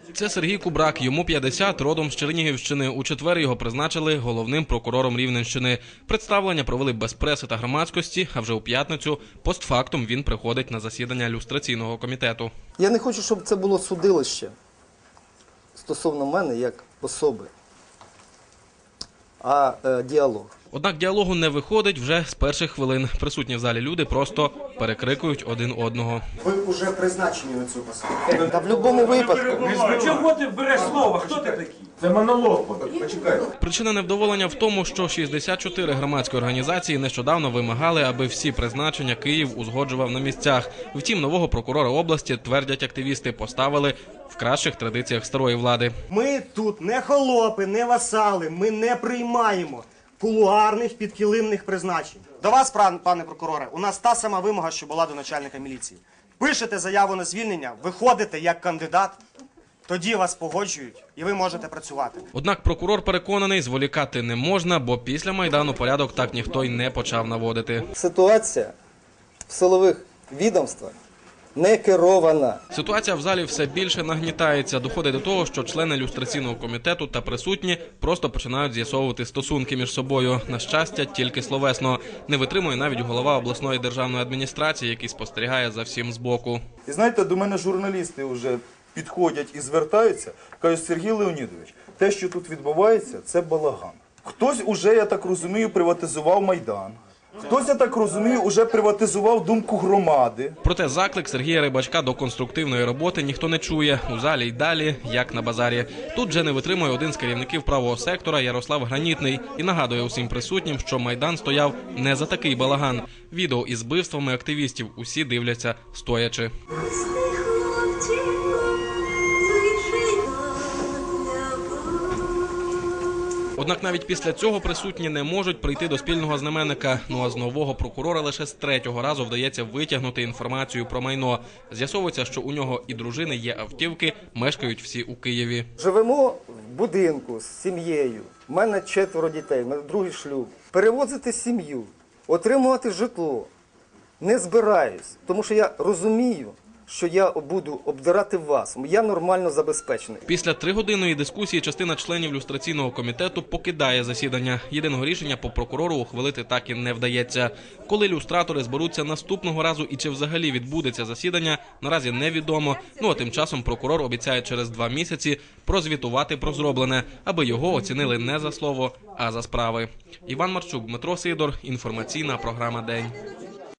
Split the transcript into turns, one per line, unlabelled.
Це Сергій Кубрак, йому 50, родом з Чернігівщини. У четвер його призначили головним прокурором Рівненщини. Представлення провели без преси та громадськості, а вже у п'ятницю постфактум він приходить на засідання люстраційного комітету.
Я не хочу, щоб це було судилище стосовно мене як особи, а діалог.
Однак діалогу не виходить вже з перших хвилин. Присутні в залі люди просто перекрикують один одного.
Ви вже призначені на цю посаду.
Та в будь-якому випадку.
Чого ти береш слово? Хто ти такий?
Це монолог. Почекайте.
Причина невдоволення в тому, що 64 громадські організації нещодавно вимагали, аби всі призначення Київ узгоджував на місцях. Втім, нового прокурора області, твердять активісти, поставили в кращих традиціях старої влади.
Ми тут не холопи, не васали, ми не приймаємо кулуарних підкилимних призначень. До вас, пане прокуроре, у нас та сама вимога, що була до начальника міліції. Пишете заяву на звільнення, виходите як кандидат, тоді вас погоджують і ви можете працювати.
Однак прокурор переконаний, зволікати не можна, бо після Майдану порядок так ніхто й не почав наводити.
Ситуація в силових відомствах не керована.
Ситуація в залі все більше нагнітається. Доходить до того, що члени люстраційного комітету та присутні просто починають з'ясовувати стосунки між собою. На щастя, тільки словесно. Не витримує навіть голова обласної державної адміністрації, який спостерігає за всім збоку.
І знаєте, до мене журналісти вже підходять і звертаються, кажуть: Сергій Леонідович, те, що тут відбувається, це балаган. Хтось уже, я так розумію, приватизував Майдан. Хтось, я так розумію, уже приватизував думку громади.
Проте заклик Сергія Рибачка до конструктивної роботи ніхто не чує. У залі й далі, як на базарі. Тут же не витримує один з керівників правого сектора Ярослав Гранітний і нагадує усім присутнім, що Майдан стояв не за такий балаган. Відео із вбивствами активістів усі дивляться стоячи. Однак навіть після цього присутні не можуть прийти до спільного знаменника. Ну а з нового прокурора лише з третього разу вдається витягнути інформацію про майно. З'ясовується, що у нього і дружини є автівки, мешкають всі у Києві.
Живемо в будинку з сім'єю. У мене 4 дітей, у мене другий шлюб. Перевозити сім'ю, отримувати житло не збираюсь, тому що я розумію, що я буду обдирати вас. Я нормально забезпечений.
Після 3-годинної дискусії частина членів люстраційного комітету покидає засідання. Єдиного рішення по прокурору ухвалити так і не вдається. Коли люстратори зберуться наступного разу і чи взагалі відбудеться засідання, наразі невідомо. Ну а тим часом прокурор обіцяє через 2 місяці прозвітувати про зроблене, аби його оцінили не за слово, а за справи. Іван Марчук, Дмитро Сидор. Інформаційна програма «День».